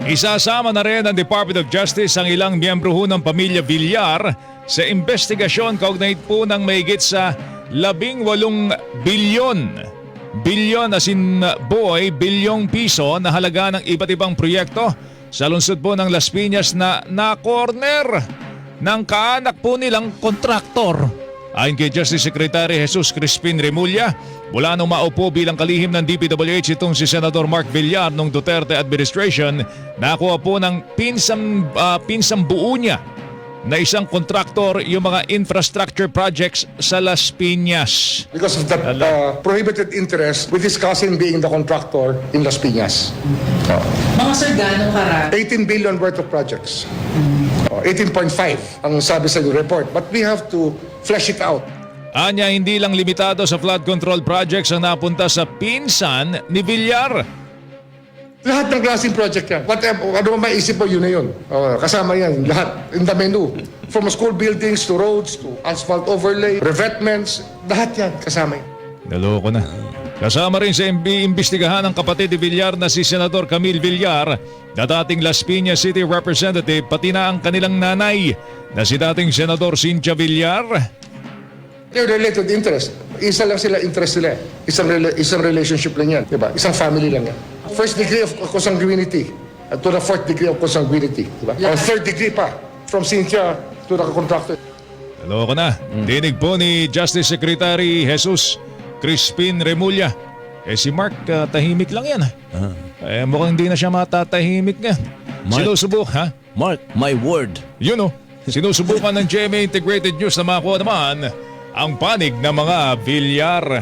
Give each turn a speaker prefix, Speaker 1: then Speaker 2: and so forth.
Speaker 1: Isasama na rin ng Department of Justice ang ilang miyembro ho ng pamilya Villar sa investigasyon kaugnay po ng mahigit sa 18 bilyon as in bilyong piso na halaga ng iba't ibang proyekto sa lungsod po ng Las Piñas na na-corner ng kaanak po nilang kontraktor. Ayon kay Justice Secretary Jesus Crispin Remulla, mula nung maupo bilang kalihim ng DPWH itong si Senador Mark Villar nung Duterte administration, nakuha po ng pinsang buo niya na isang kontraktor yung mga infrastructure projects sa Las Piñas.
Speaker 2: Because of that prohibited interest with his cousin being the contractor in Las Piñas.
Speaker 3: Mga sir, gano'ng karami?
Speaker 2: 18 billion worth of projects. 18.5 ang sabi sa report. But we have to flesh it out.
Speaker 1: Anya, hindi lang limitado sa flood control projects ang napunta sa pinsan ni Villar.
Speaker 2: Lahat ng klaseng project yan. Whatever, ano man maisip mo, yun na yun. Kasama yan, lahat. In the menu. From school buildings to roads to asphalt overlay, revetments, lahat yan kasama yan.
Speaker 1: Naloko na. Kasama rin sa imbestigahan ng kapatid ni Villar na si Senador Camille Villar na dating Las Piñas City Representative, pati na ang kanilang nanay na si dating Senador Cynthia Villar.
Speaker 2: They're related interest. Isa lang sila interest nila. Isang relationship lang yan. Diba? Isang family lang yan. First degree of consanguinity to the fourth degree of consanguinity. Diba? Or third degree pa. From Cynthia to the contractor.
Speaker 1: Naloko na. Dinig po ni Justice Secretary Jesus Crispin Remulla. Si Mark, tahimik lang yan. Mukhang hindi na siya matatahimik nga. Sinusubok, ha?
Speaker 4: Mark, my word.
Speaker 1: Yun o. Sinusubukan ng GMA Integrated News na makuha naman ang panig ng mga Villar.